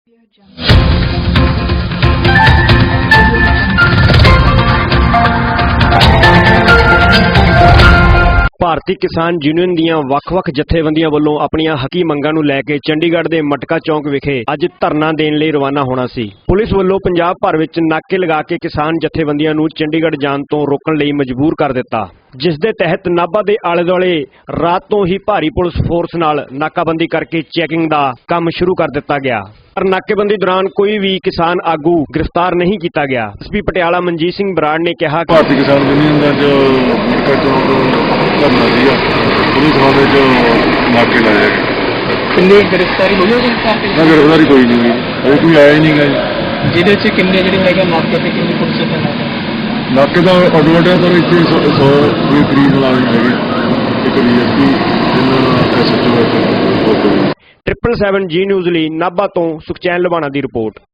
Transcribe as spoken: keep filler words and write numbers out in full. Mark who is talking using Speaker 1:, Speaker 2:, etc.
Speaker 1: ਭਾਰਤੀ ਕਿਸਾਨ ਯੂਨੀਅਨ ਦੀਆਂ ਵੱਖ-ਵੱਖ ਜਥੇਬੰਦੀਆਂ ਵੱਲੋਂ ਆਪਣੀਆਂ ਹੱਕੀ ਮੰਗਾਂ ਨੂੰ ਲੈ ਕੇ ਚੰਡੀਗੜ੍ਹ ਦੇ ਮਟਕਾ ਚੌਂਕ ਵਿਖੇ ਅੱਜ ਧਰਨਾ ਦੇਣ ਲਈ ਰਵਾਨਾ ਹੋਣਾ ਸੀ। ਪੁਲਿਸ ਵੱਲੋਂ ਪੰਜਾਬ ਭਰ ਵਿੱਚ ਨਾਕੇ ਲਗਾ ਕੇ ਕਿਸਾਨ ਜਥੇਬੰਦੀਆਂ ਨੂੰ ਚੰਡੀਗੜ੍ਹ ਜਾਣ ਤੋਂ ਰੋਕਣ ਲਈ ਮਜਬੂਰ ਕਰ ਦਿੱਤਾ, ਜਿਸ ਦੇ ਤਹਿਤ ਨਾਭਾ ਦੇ ਆਲੇ-ਦੁਆਲੇ ਰਾਤ ਤੋਂ ਹੀ ਭਾਰੀ ਪੁਲਿਸ ਫੋਰਸ ਨਾਲ ਨਾਕਾਬੰਦੀ ਕਰਕੇ ਚੈਕਿੰਗ ਦਾ ਕੰਮ ਸ਼ੁਰੂ ਕਰ ਦਿੱਤਾ ਗਿਆ। ਪਰ ਨਾਕੇਬੰਦੀ ਦੌਰਾਨ ਕੋਈ ਵੀ ਕਿਸਾਨ ਆਗੂ ਗ੍ਰਿਫਤਾਰ ਨਹੀਂ ਕੀਤਾ ਗਿਆ। ਐਸਪੀ ਪਟਿਆਲਾ ਮਨਜੀਤ ਸਿੰਘ ਬਰਾੜ ਨੇ ਕਿਹਾ ਕਿ
Speaker 2: ਭਾਰਤੀ ਕਿਸਾਨ ਯੂਨੀਅਨ ਦਾ ਜੋ ਮਟਕਾ ਚੌਂਕ ਧਰਨਾ ਸੀਗਾ ਉਹਦੇ ਸੰਬੰਧ ਵਿੱਚ ਨਾਕੇ ਲਾਇਆ ਗਿਆ।
Speaker 3: ਕਿੰਨੀ ਗ੍ਰਿਫਤਾਰੀ ਹੋਈ ਹੈ
Speaker 2: ਨਾ ਗ੍ਰਿਫਤਾਰੀ ਕੋਈ ਨਹੀਂ ਹੋਈ, ਅਜੇ ਕੋਈ ਆਇਆ ਹੀ ਨਹੀਂ ਗਾ ਜੀ।
Speaker 3: ਜਿਹਦੇ ਚ ਕਿੰਨੇ ਜਿਹੜੇ ਹੈਗੇ ਨਾਕੇ ਤੇ ਕਿੰਨੀ ਪੁਲਿਸ ਦਾ
Speaker 2: ਨਾਕੇ ਦਾ ਅਡਵਾਂਟੇਜ ਪਰ ਇੱਥੇ ਸੌ ਦੇ ਕਰੀਬ ਮੁਲਾਜ਼ਮ ਹੈਗੇ, ਇੱਕ ਡੀ ਐਸ ਪੀ ਤਿੰਨ S H O.
Speaker 1: Triple seven G news ਲਈ ਨਾਭਾ ਤੋਂ ਸੁਖਚੈਨ ਲੁਬਾਣਾ ਦੀ ਰਿਪੋਰਟ।